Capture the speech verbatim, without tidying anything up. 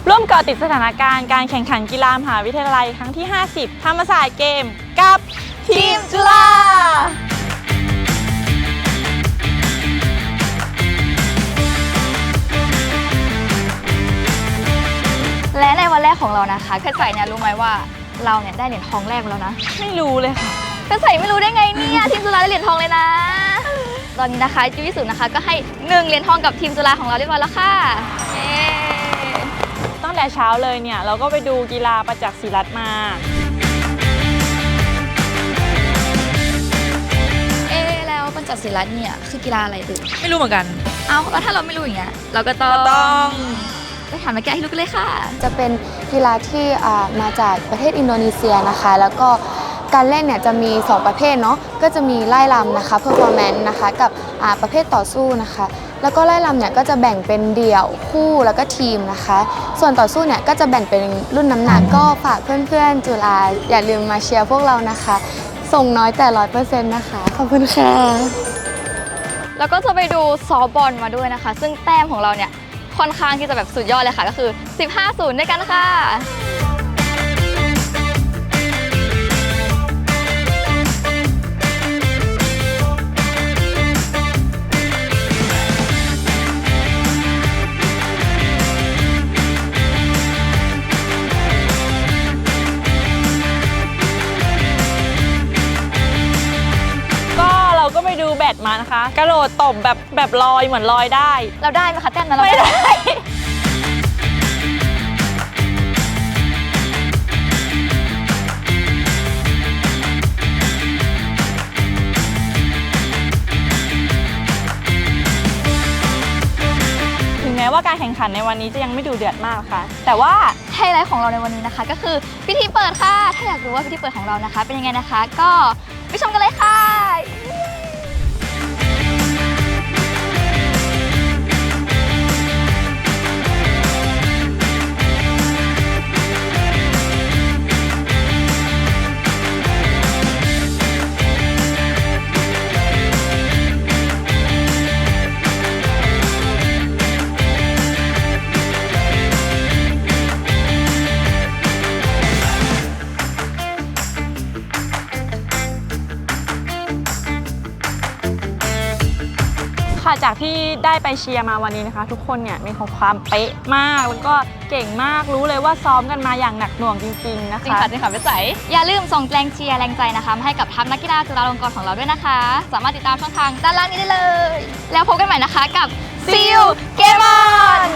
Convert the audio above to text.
ร่วมเกาะติดสถานการณ์การแข่งขันกีฬามหาวิทยาลัยครั้งที่ห้าสิบธรรมศาสตร์เกมกับทีมจุฬาและในวันแรกของเรานะคะเพชรใสเนี่ยรู้ไหมว่าเราเนี่ยได้เหรียญทองแรกมาแล้วนะไม่รู้เลยค่ะเพชรใสไม่รู้ได้ไงเนี่ยทีมจุฬาได้เหรียญทองเลยนะตอนนี้นะคะจุ๊ยสุนะคะก็ให้หนึ่งเหรียญทองกับทีมจุฬาของเราเรียบร้อยแล้วค่ะเย้ตั้งแต่เช้าเลยเนี่ยเราก็ไปดูกีฬาประจักษ์ศิรัตน์มาเอ๊แล้วประจักษ์ศิรัตน์เนี่ยคือกีฬาอะไรตึกไม่รู้เหมือนกันเอ้าแล้วถ้าเราไม่รู้อย่างเงี้ยเราก็ต้องต้องไปถามมาแกให้รู้กันเลยค่ะจะเป็นกีฬาที่มาจากประเทศอินโดนีเซียนะคะแล้วก็การเล่นเนี่ยจะมีสองประเภทเนาะก็จะมีไล่ลำนะคะ performance นะคะกับประเภทต่อสู้นะคะแล้วก็ไล่ลำเนี่ยก็จะแบ่งเป็นเดี่ยวคู่แล้วก็ทีมนะคะส่วนต่อสู้เนี่ยก็จะแบ่งเป็นรุ่นน้ำหนักก็ฝากเพื่อนๆจุฬาอย่าลืมมาเชียร์พวกเรานะคะส่งน้อยแต่ร้อยเปอร์เซ็นต์นะคะขอบคุณค่ะแล้วก็จะไปดูซอฟต์บอลมาด้วยนะคะซึ่งแต้มของเราเนี่ยค่อนข้างที่จะแบบสุดยอดเลยค่ะก็คือสิบห้าศูนย์ด้วยกันค่ะก็ไปดูแบดมานะคะกระโดดตบแบบแบบลอยเหมือนลอยได้เราได้ไหมคะแต้มนั้นเราไม่ได้ถึงแม้ว่าการแข่งขันในวันนี้จะยังไม่ดูเดือดมากค่ะแต่ว่าไฮไลท์ของเราในวันนี้นะคะก็คือพิธีเปิดค่ะถ้าอยากรู้ว่าพิธีเปิดของเรานะคะเป็นยังไงนะคะก็ไปชมกันเลยค่ะค่ะจากที่ได้ไปเชียร์มาวันนี้นะคะทุกคนเนี่ยมีความเป๊ะมากแล้วก็เก่งมากรู้เลยว่าซ้อมกันมาอย่างหนักหน่วงจริงๆนะคะจริงค่ะจริงค่ะพี่ใสอย่าลืมส่งแรงเชียร์แรงใจนะคะมาให้กับทัพนักกีฬาจุฬาลงกรณ์ของเราด้วยนะคะสามารถติดตามช่องทางด้านล่างนี้ได้เลยแล้วพบกันใหม่นะคะกับ See you Game On